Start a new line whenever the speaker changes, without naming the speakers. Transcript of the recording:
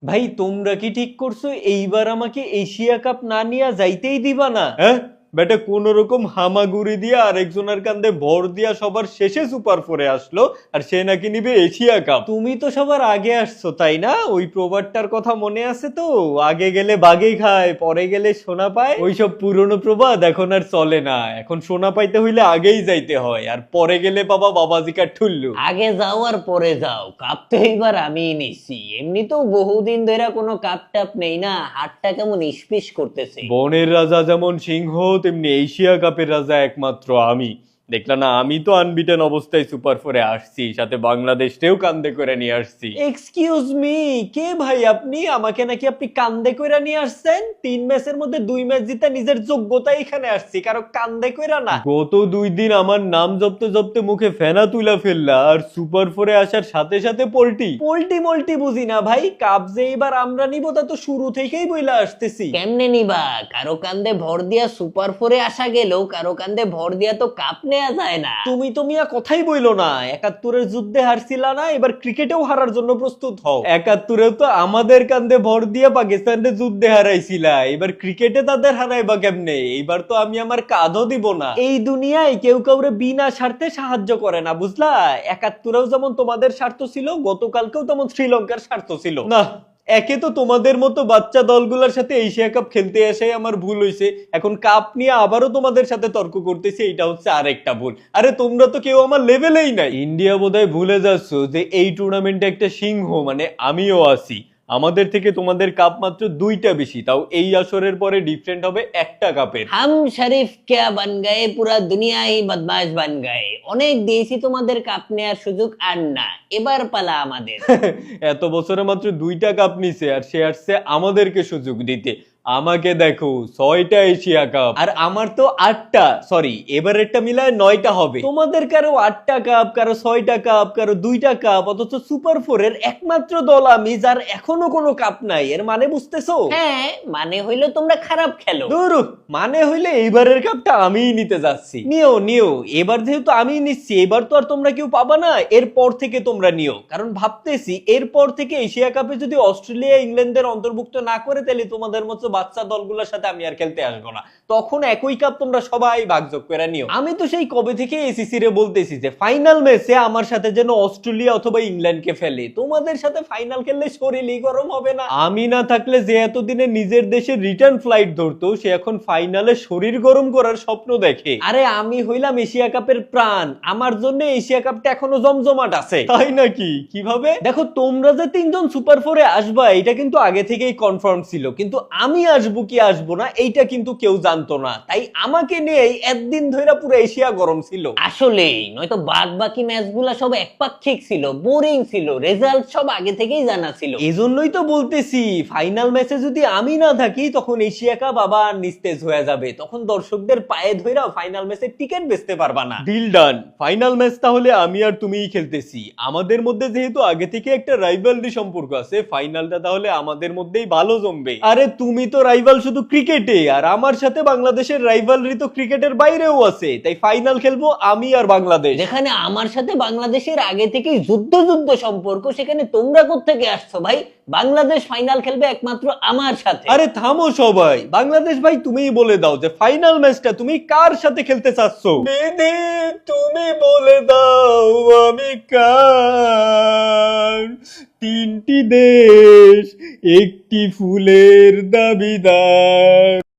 ভাই তোমরা কি ঠিক করছো এইবার আমাকে এশিয়া কাপ না নিয়ে যাইতেই দিবা না? হ্যাঁ বেটা, কোন রকম হামাগুড়ি দিয়া আরেকজনের কান্দে ভর দিয়া সবার শেষে সুপার ফোরে আসলো, আর সে নাকি নিবে এশিয়া কাপ। তুমি তো সবার আগে আসছো তাই না? ওই প্রবাদটার কথা মনে আছে তো? আগে গেলে বাঘে খায়, পরে গেলে সোনা পায়। ওইসব পুরনো প্রবাদ এখন আর চলে না। এখন সোনা পাইতে হইলে আগেই যাইতে হয়, আর পরে গেলে বাবা বাবাজিকার ঠুল্লু।
আগে যাও আর পরে যাও, কাপ তো এইবার আমিই নিচ্ছি। এমনিতেও বহুদিন ধরে কোনো কাপ টাপ নেই না, হাতটা কেমন ইসপিস করতেছে।
বনের রাজা যেমন সিংহ, তেমনি এশিয়া কাপের রাজা একমাত্র আমি। দেখলা না, আমি তো আনবিটেন অবস্থায় সুপার ফোরে আসছি, সাথে বাংলাদেশকেও কান্দে করে নিয়ে আসছি। এক্সকিউজ মি, কে ভাই আপনি? আমাকে নাকি আপনি কান্দে কইরা নিয়ে আসছেন? 3 ম্যাচের মধ্যে 2 ম্যাচ জিতে নিজের যোগ্যতা এখানে আসছি, কারো কান্দে কইরা না। গত 2 দিন আমার নাম জপতে জপতে মুখে ফেনা তুলা ফেললা, আর সুপার ফোরে আসার সাথে সাথে পোল্টি পোল্টি মোল্টি বুঝি না ভাই। কাপ যে এবার আমরা নিব তা তো শুরু থেকেই বইলা আসতেছি।
কেমনে নিবা? কারো কান্দে ভর দিয়া সুপার ফোরে আসা গেলেও কারো কান্দে ভর দিয়া তো কাপ নেওয়া যায় না।
তুমি তো মিয়া কথাই বইলো না। 71-এর যুদ্ধে হারছিলা না, এবার ক্রিকেটেও হারার জন্য প্রস্তুত হও। 71-এও তো আমাদের কান্দে ভর দিয়ে পাকিস্তানের যুদ্ধে হারাইছিলা, এবার ক্রিকেটে তাদের হারাইবা কেমনে? এইবার তো আমি আমার কাঁধও দিব না। এই দুনিয়ায় কেউ কাউরে বিনা স্বার্থে সাহায্য করে না, বুঝলা? 71-এও যেমন তোমাদের স্বার্থ ছিল, গতকালকেও তেমন শ্রীলঙ্কার স্বার্থ ছিল না। একে তো তোমাদের মতো বাচ্চা দলগুলোর সাথে এশিয়া কাপ খেলতে এসে আমার ভুল হয়েছে, এখন কাপ নিয়ে আবারও তোমাদের সাথে তর্ক করতেছি, এটা হচ্ছে আরেকটা ভুল। আরে তোমরা তো কেউ আমার লেভেলেই নাই। ইন্ডিয়া বোধহয় ভুলে যাচ্ছ যে এই টুর্নামেন্টে একটা সিংহ মানে আমিও আছি। আমাদের থেকে তোমাদের কাপ মাত্র 2টা বেশি, তাও এই আসরের পরে ডিফারেন্ট হবে একটা কাপের।
হাম শরীফ ক্যা বান গায়ে, পুরা দুনিয়া হি বদমাশ বান গায়ে। অনেক দিয়েছি তোমাদের কাপ নেওয়ার সুযোগ, আর না, এবার পালা আমাদের।
এত বছরে মাত্র 2টা কাপ নিছে, আর সে আসছে আমাদেরকে সুযোগ দিতে। আমাকে দেখো, 6টা এশিয়া কাপ, আর আমার তো 8টা, সরি এবারেরটা মিলায় 9টা হবে। তোমাদের কারো 8টা কাপ, কারো 6টা কাপ, কারো 2টা কাপ, অথচ সুপার ফোরের একমাত্র দল আমি যার এখনো কোনো কাপ নাই। এর মানে বুঝতেছো?
হ্যাঁ, মানে হইলো তোমরা খারাপ খেলো।
দূর, মানে হইলে এইবারের কাপটা আমিই নিতে যাচ্ছি। নিও নিও, এবার যেহেতু আমি নিচ্ছি, এবার তো আর তোমরা কেউ পাবা না। এরপর থেকে তোমরা নিও, কারণ ভাবতেছি এরপর থেকে এশিয়া কাপে যদি অস্ট্রেলিয়া ইংল্যান্ডের অন্তর্ভুক্ত না করে, তাহলে তোমাদের মতো বাচ্চা দলগুলোর সাথে আমি আর খেলতে আসবো না। তখন একই কাপ তোমরা সবাই ভাগযোগ করে নিও। আমি তো সেই কবে থেকে এসিসি রে বলতেছি যে ফাইনাল ম্যাচে আমার সাথে যেন অস্ট্রেলিয়া অথবা ইংল্যান্ডকে ফেলে। তোমাদের সাথে ফাইনাল খেললে শরীরই গরম হবে না? আমি না থাকলে যে এতদিনে নিজের দেশে রিটার্ন ফ্লাইট ধরতো, সে এখন ফাইনালে শরীর গরম করার স্বপ্ন দেখে। আরে আমি হইলাম এশিয়া কাপের প্রাণ, আমার জন্য এশিয়া কাপটা এখনো জমজমাট আছে। তাই নাকি? কিভাবে? দেখো, তোমরা যে 3জন সুপার ফোরে আসবা এটা কিন্তু আগে থেকেই কনফার্ম ছিল, কিন্তু আমি আসবো কি আসবো না এইটা কিন্তু কেউ জানতো না। তাই আমাকে নিয়েই একদিন ধরে পুরো এশিয়া গরম ছিল।
আসলেই, নয়তো বাদ বাকি ম্যাচগুলা সব একপাক্ষিক ছিল, বোরিং ছিল, রেজাল্ট সব আগে থেকেই জানা ছিল।
এজন্যই তো বলতেছি, ফাইনাল ম্যাচে যদি আমি না থাকি তখন এশিয়া কাপ আবার নিস্তেজ হয়ে যাবে। তখন দর্শকদের পায়ে ধইরা ফাইনাল ম্যাচের টিকিট বেচতে পারবা না। Deal done. ফাইনাল ম্যাচ তাহলে আমি আর তুমিই খেলতেছি। আমাদের মধ্যে যেহেতু আগে থেকে একটা রাইভালরি সম্পর্ক আছে, ফাইনালটা তাহলে আমাদের মধ্যেই ভালো জমবে। আরে তুমি তো রাইভাল শুধু ক্রিকেটে, আর আমার সাথে বাংলাদেশের রাইভালরি তো ক্রিকেটের বাইরেও আছে। তাই ফাইনাল খেলবো আমি আর বাংলাদেশ।
যেখানে আমার সাথে বাংলাদেশের আগে থেকেই যুদ্ধ যুদ্ধ সম্পর্ক, সেখানে তোমরা কোত্থেকে আসছো ভাই? বাংলাদেশ ফাইনাল খেলবে একমাত্র আমার সাথে।
আরে থামো সবাই, বাংলাদেশ ভাই তুমিই বলে দাও যে ফাইনাল ম্যাচটা তুমি কার সাথে খেলতে চাচ্ছ। বিধি, তুমি বলে দাও আমি কার। 3টি দেশ, একটি ফুলের দাবিদার।